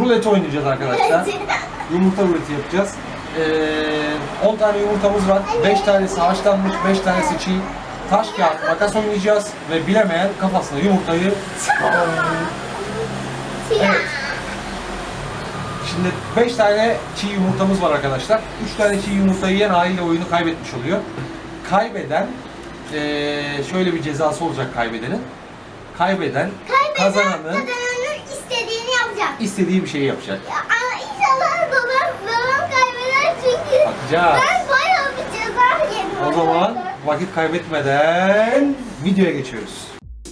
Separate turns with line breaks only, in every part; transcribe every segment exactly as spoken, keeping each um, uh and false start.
Rulet oynayacağız arkadaşlar. Yumurta ruleti yapacağız. Ee, on tane yumurtamız var. beş tanesi haşlanmış, beş tanesi çiğ. Taş kağıt makas oynayacağız ve bilemeyen kafasına yumurtayı... Evet. Şimdi beş tane çiğ yumurtamız var arkadaşlar. üç tane çiğ yumurtayı yiyen haliyle oyunu kaybetmiş oluyor. Kaybeden ee, şöyle bir cezası olacak kaybedenin. Kaybeden,
Kaybeden
kazananın
kazananın istediğini yapacak.
istediği bir şeyi yapacak.
Ya, ama inşallah babam, babam kaybeder çünkü
Bakacağız.
ben bayağı bir ceza yedim.
O zaman vakit kaybetmeden videoya geçiyoruz.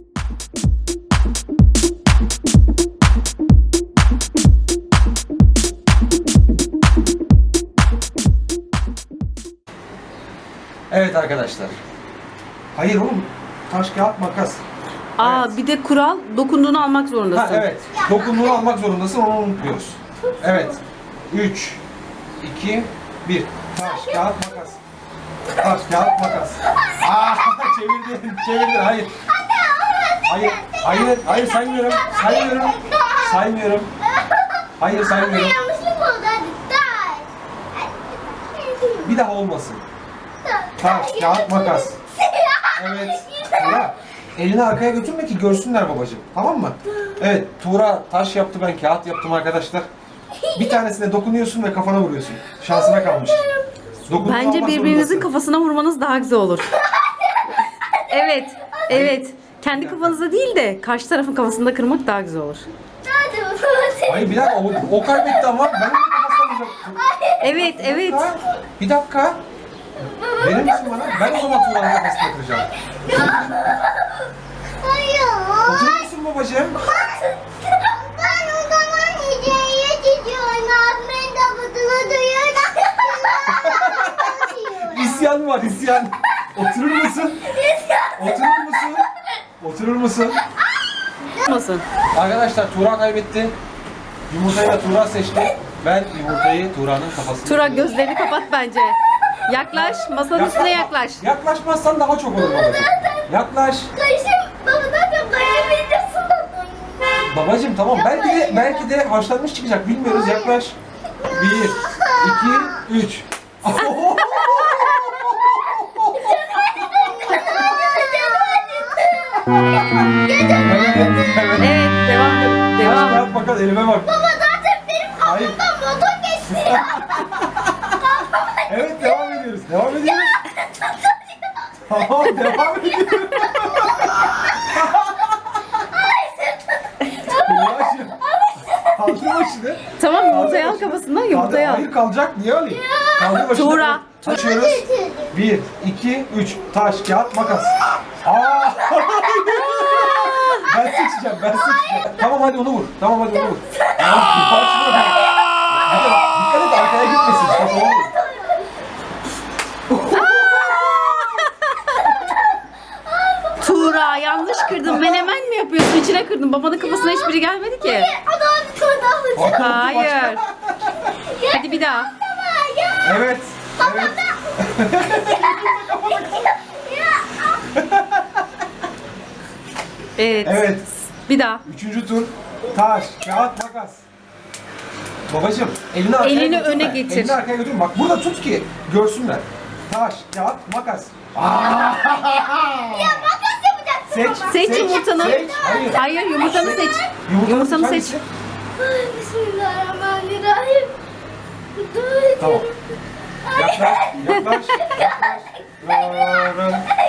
Evet arkadaşlar. Hayır oğlum. Taş, kağıt, makas.
Aa
Evet.
bir de kural dokunduğunu almak zorundasın.
Ha evet. Dokunduğunu almak zorundasın, onu unutmuyoruz. Evet. üç, iki, bir. Taş, kağıt, makas. Taş, kağıt, makas. Aa, çevirdin, çevirdin. Hayır. Hayır, hayır, hayır saymıyorum. Saymıyorum. Saymıyorum. Hayır
Ama
saymıyorum.
yanlışlık oldu hadi. Taş.
Bir daha olmasın. Taş, kağıt, makas. Evet. Tuğra, elini arkaya götürme ki görsünler babacığım. Tamam mı? Evet, Tuğra taş yaptı, ben kağıt yaptım arkadaşlar. Bir tanesine dokunuyorsun ve kafana vuruyorsun. Şansına kalmış. Dokunduğunu
Bence
almak
birbirinizin
zorundasın.
kafasına vurmanız daha güzel olur. Evet, evet. Kendi kafanıza değil de karşı tarafın kafasında kırmak daha güzel olur.
Hadi bakalım.
Hayır bir dakika, o, o kaybetti ama ben onun kafasına vuracaktım.
Evet,
Bir
evet.
dakika, Bir dakika. Verir misin bana? Ben o zaman Tuğra'nın kafasına kıracağım.
Hayır.
Oturur musun babacığım?
Ben o zaman hediye çiziyorum. Abimin tabutunu duyuyorum.
İsyan var, isyan. Oturur musun? Oturur musun? Oturur musun?
Olmasın.
Arkadaşlar Tuğra kaybetti. Yumurtayı da Tuğra seçti. Ben yumurtayı Tuğra'nın kafasına...
Tura gözlerini kapat bence. Yaklaş, masanın üstüne yaklaş.
Yaklaşmazsan daha çok olur babacığım. Yaklaş.
Karışım babadan çok kaybediyorsun.
Babacığım tamam, belki de belki de haşlanmış çıkacak, bilmiyoruz. Yaklaş. Bir, iki, üç.
Evet, devam.
Taş
Devam.
kağıt makas, elime bak.
Baba zaten benim
Hayır.
kafamdan motor geçti ya.
Evet, devam ediyoruz. Devam ediyoruz. Tamam, devam ediyoruz. Tuğra'cığım. Kaldır başını.
Tamam, yumurtayı al
Kaldır başını.
kafasından, yumurtayı
Kaldır-
al.
Hayır, kalacak. Niye alayım? Kaldır başını.
Tuğra.
Açıyoruz. Bir, iki, üç. Taş, kağıt, makas. Aa! Ben seçeceğim, ben seçeceğim. Tamam hadi onu vur. Tamam hadi onu vur. Ya, başına vur. Dikkat et, arkaya gitmesin. Kafana vur.
Tuğra yanlış kırdın. Menemen mi yapıyorsun? İçine kırdın. Babanın kafasına hiçbiri gelmedi ki.
Adam bir tane daha alacak.
Hayır. Hadi bir daha.
Evet. Evet.
Evet.
Evet.
Bir daha.
Üçüncü tur. Taş, kağıt, makas. Babacım elini arkaya
Elini
götürme.
öne getir.
Elini arkaya götür. Bak burada tut ki görsünler. Taş, kağıt, makas.
Ya makas yapacaksın
Seç.
baba.
Seç yumurtanı.
Seç. Hayır.
Hayır, yumurtanı seç. Yumurtanı seç.
hangisi?
Ay, Bismillahirrahmanirrahim. Dur.
Tamam. Yaklaş, yaklaş, yaklaş. Rarın,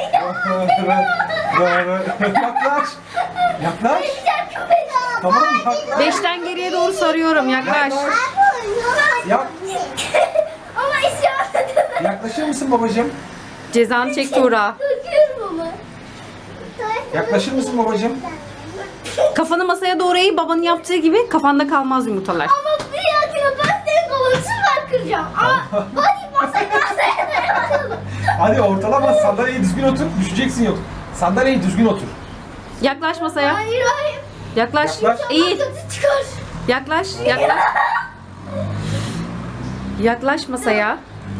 rarın, rarın. Yaklaş. Yaklaş. Tamam yaklaş.
Beşten geriye doğru sarıyorum. Yaklaş.
Yaklaş. Yak.
Ama isyan edemem.
Yaklaşır mısın babacığım?
Cezanı çek Tuğra.
Döküyorum ama.
Yaklaşır mısın babacığım?
Kafanı masaya doğru eğ, babanın yaptığı gibi kafanda kalmaz yumurtalar.
Ama bir yakına ben senin kolunu süper kıracağım. Ama hadi masaya masaya dayanalım.
Hadi ortalama, sandalyeyi düzgün otur, düşeceksin yok. Sandalyeyi düzgün otur.
Yaklaş masaya.
Hayır hayır.
Yaklaş.
Yaklaş.
Eğil.
Kötü çıkar.
Yaklaş. Yaklaş. Yaklaş masaya.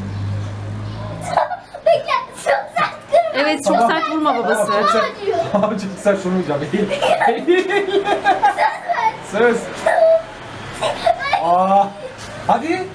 Bekle. Çok sert kırma.
Evet, çok
Tamam.
sert vurma babası.
Tamam, çok sert. Tamam, çok sert vurmayacağım. Eğil. Eğil. Söz. Aa, hadi.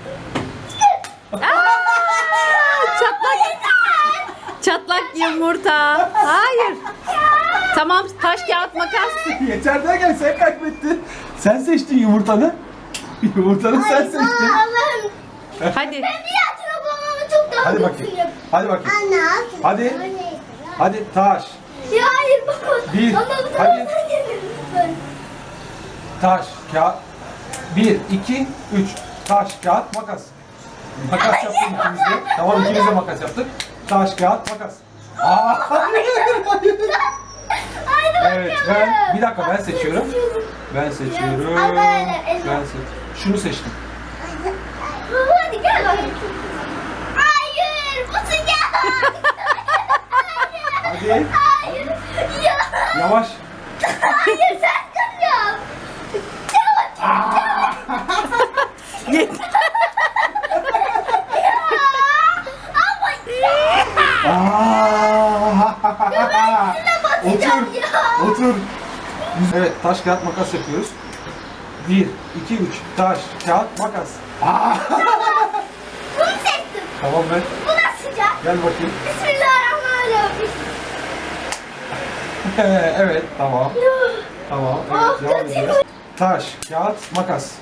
Çatlak. Çatlak yumurta. Hayır. Tamam, taş kağıt makas.
Yeter derken sen kaybettin. Sen seçtin yumurtanı. Yumurtanı sen seçtin.
Allah'ım.
Hadi.
Ben bir hatırlamamı çok daha
Hadi bakayım.
kötüyüm.
Hadi bakayım.
Anne.
Hadi. Hadi taş,
Ya hayır baba.
Bir,
Ama bu
hadi.
tarafa gelin lütfen.
taş, kağıt. Bir, iki, üç. Taş, kağıt, makas. Makas yaptık ikimiz de. Tamam ikimiz de makas yaptık. Taş, kağıt, makas. Aa, hayır, hayır.
Haydi
Evet
bakalım.
ben bir dakika ben seçiyorum. Ben seçiyorum.
Al böyle, elma.
Ben seç. Şunu seçtim.
Baba hadi gel bakayım. Hayır bu sıcak.
Hadi.
Hayır. Ya.
Yavaş.
Hayır sen kıracağım. Çabuk
Yeter.
ama ya.
Aa! Otur.
Basacağım ya.
Otur. Evet taş, kağıt, makas yapıyoruz. Bir, iki, üç. Taş, kağıt, makas. Aa!
Bunu seçtim.
Tamam ben.
Bu da sıcak.
Gel bakayım.
Bismillahirrahmanirrahim.
Evet tamam. Tamam. Evet,
Oh,
devam
kötü.
ediyoruz. Taş, kağıt, makas.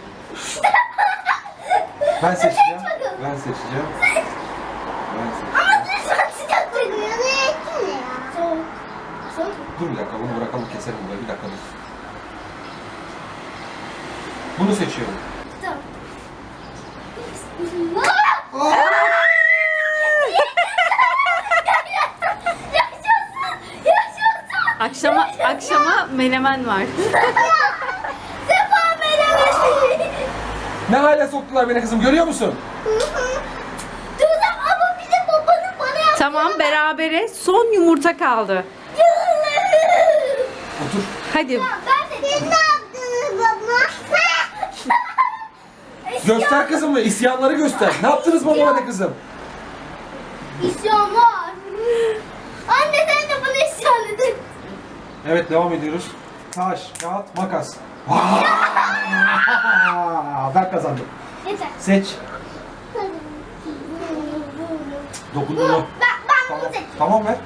Ben seçeceğim. Ben seçeceğim. Ben seçeceğim.
Ama lütfen sıcak dedim. Ya ne ettin ya? Soğuk. Soğuk.
Dur bir dakika bunu bırakalım keselim burayı bir dakika dur. Bunu seçiyorum.
Tamam. Bismillah. Yaşasın. Yaşasın.
Akşama akşama menemen var.
Sefa menemesi.
Ne hale soktular beni kızım görüyor musun?
Dudam ama bir de babanın bana yaptığı.
Tamam, berabere son yumurta kaldı.
Otur.
Hadi.
Ben de. Siz ne yaptınız baba?
Göster kızım isyanları göster. Ne yaptınız babama de kızım?
İsyan var. Anne sen de bana isyan edin.
Evet devam ediyoruz. Taş, kağıt, makas. Aa, ben kazandım.
Yeter.
Seç. Dokundun mu?
Ben, ben
Tamam.
bunu seçtim.
Tamam ver.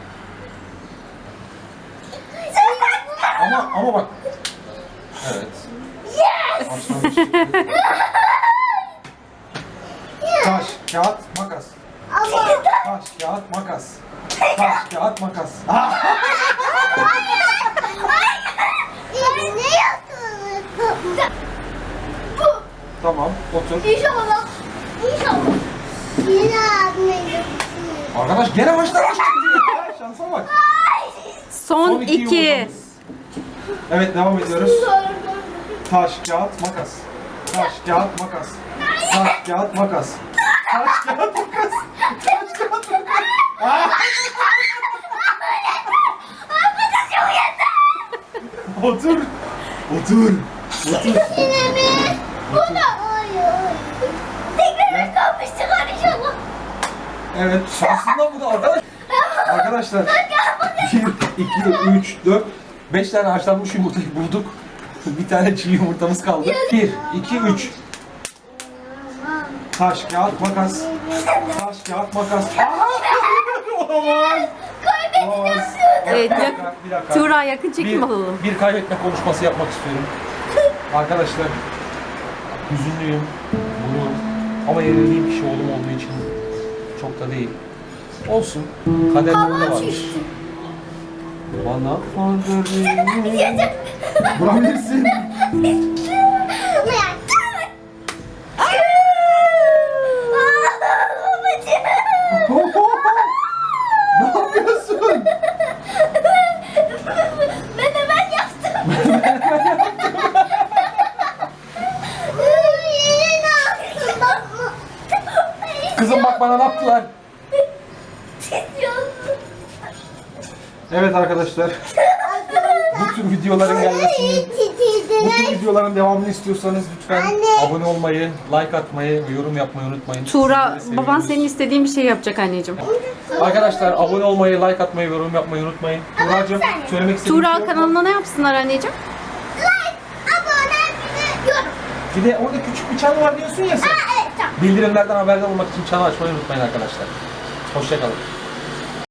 Ama ama bak. Evet.
Yes!
Başlamış. Taş, kağıt, makas.
Ama.
Taş, kağıt, makas. Taş, kağıt, makas. Aa!
Hayır. Ne yaptınız? Bu.
Tamam, otur.
İnşallah. İnşallah. Yine abime
Arkadaş gene başlamış. Ya, şansa bak.
Son iki.
yumurtamız. Evet devam ediyoruz. Taş, kağıt, makas. Taş, kağıt, makas. Taş, kağıt, makas. Taş, kağıt, makas. Taş, kağıt, makas. Aa! Otur. Otur. Otur.
Yine mi? Bu da. Hayır. Tekrar kalmıştık inşallah.
Evet şansından bu da arkadaş. Arkadaşlar. bir, iki, üç, dört, beş tane haşlanmış yumurtayı bulduk. Bir tane çiğ yumurtamız kaldı. bir, iki, üç. Taş, kağıt, makas. Taş, kağıt, makas. Aa! Olamaz. Olamaz.
Evet,
Bir
yak-
dakika, bir dakika.
Tuğra yakın çekim
bir,
alalım.
bir kaybetme konuşması yapmak istiyorum. Arkadaşlar, hüzünlüyüm, bunu ama yenildiğim kişi oğlum olduğu için çok da değil. Olsun, kaderde burada varmış. Bana kaderini vurabilirsin. Ne yapıyorsun?
Menemen yaptım.
Kızım bak bana ne yaptılar? Evet arkadaşlar, bu tür videoların gelmesini, bu tür videoların devamını istiyorsanız lütfen
Anne.
abone olmayı, like atmayı ve yorum yapmayı unutmayın.
Tuğra,
Sizleri
baban
seviyoruz.
senin istediğin bir şey yapacak anneciğim.
Arkadaşlar abone olmayı, like atmayı, yorum yapmayı unutmayın. Tuğra'cığım söylemek istediğin bir şey
Tuğra
yok mu?
kanalına ne yapsınlar anneciğim?
Like, abone, yorum.
Bir de orada küçük bir çan var diyorsun ya sen.
Evet tamam.
Bildirimlerden haberdar olmak için çanı açmayı unutmayın arkadaşlar. Hoşça kalın.